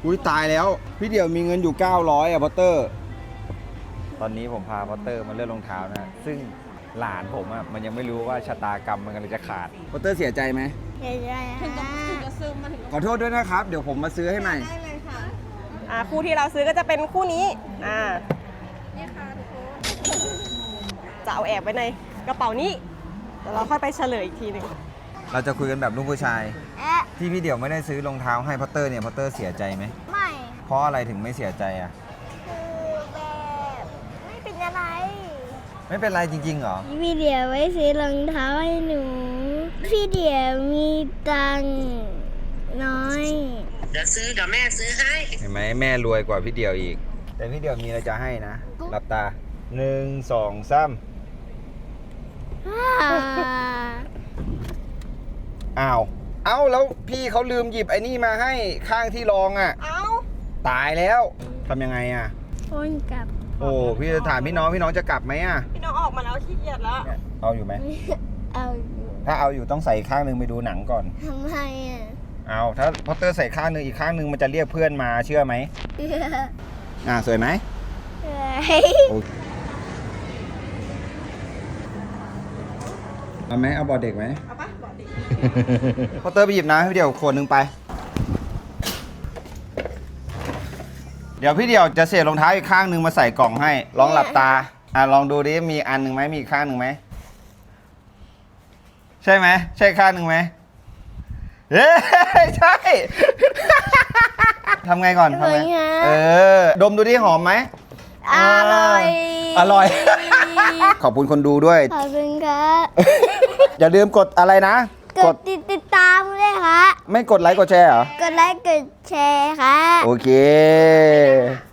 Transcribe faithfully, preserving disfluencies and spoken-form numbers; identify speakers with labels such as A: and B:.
A: อุ้ยตายแล้วพี่เดี่ยวมีเงินอยู่เก้าร้อยอ่ะพอตเตอร์ตอนนี้ผมพาพอตเตอร์มาเลือกรองเท้านะซึ่งหลานผมอ่ะมันยังไม่รู้ว่าชะตากรรมมันกำลังจะขาดพอตเตอร์เสียใจไหม
B: เดี๋ยวจะ
C: ถึงจะถึงจะซึมมาถึง
A: ขอโทษด้วยนะครับเดี๋ยวผมมาซื้อให้ใหม่
C: ได้เลยค่ะ
D: อ่าคู่ที่เราซื้อก็จะเป็นคู่นี้อ่า
C: นี่ค่ะทุกคน
D: จะเอาแอบไว้ในกระเป๋านี้เดี๋ยวเราค่อยไปเฉลยอีกทีหนึ่ง
A: เราจะคุยกันแบบลูกผู้ชาย
B: แอะ
A: ที่พี่เดี่ยวไม่ได้ซื้อรองเท้าให้พอตเตอร์เนี่ยพอตเตอร์เสียใจไหม
B: ไม่
A: เพราะอะไรถึงไม่เสียใจอ่ะ
B: คือแบบไม่เป็นอะไร
A: ไม่เป็นไรจริงๆเหรอ
B: พี่เดียวไว้ซื้อรองเท้าให้หนู พี่เดียวมีตังค์น้อย
E: เดี๋ยวซื้อเดี๋ยวแม่ซื้อให้
A: เห็นไหมแม่รวยกว่าพี่เดี่ยวอีก แต่พี่เดี่ยวมีอะไรจะให้นะหลับตาหนึ่งสองสามอ้าวเอ้าแล้วพี่เขาลืมหยิบไอ้นี่มาให้ข้างที่รองอ่ะ
D: เอา
A: ตายแล้วทำยังไงอ่ะ
B: คนกลับ
A: โอ้พี่จะถามพี่น้องพี่น้องจะกลับไหมอ่ะ
D: พี่น้องออกมาแล้วขี้เกียจแล้ว
A: เนี่ยเอาอยู่ไหม
B: เอาอยู่
A: ถ้าเอาอยู่ต้องใส่ข้างหนึ่งไปดูหนังก่อน
B: ทำไมอ่ะ
A: เอาถ้าพอตเตอร์ใส่ข้างหนึ่งอีกข้างหนึ่งมันจะเรียกเพื่อนมาเชื่อไหมอ่าสวยไหม
B: เฮ้ย
A: โอเคเอาไหมเอาบอดเด็กไหม
D: เอาปะบอกดิ
A: พอตเตอร์ไปหยิบน้ำให้พี่เดี่ยวขวดหนึ่งไป เดี๋ยวพี่เดี่ยวจะเสียบรองเท้าอีกข้างหนึ่งมาใส่กล่องให้ ลองหลับตา อ่ะลองดูดิ มีอันหนึ่งไหมมีอีกข้างหนึ่งไหม ใช่ไหม ใช่ข้างหนึ่งไหมเอ้ยใช่ ทำไงก่อนทำไงเออ ดมดูดิหอมไหม
B: อร่อย
A: อร่อย ขอบคุณคนดูด้วย
B: ขอบคุณครับ
A: อย่าลืมกดอะไรนะ
B: กดติดติดตามด้วยค่ะ
A: ไม่กดไลค์กดแชร์เหรอ
B: กดไลค์กดแชร์ค่ะ
A: โอเค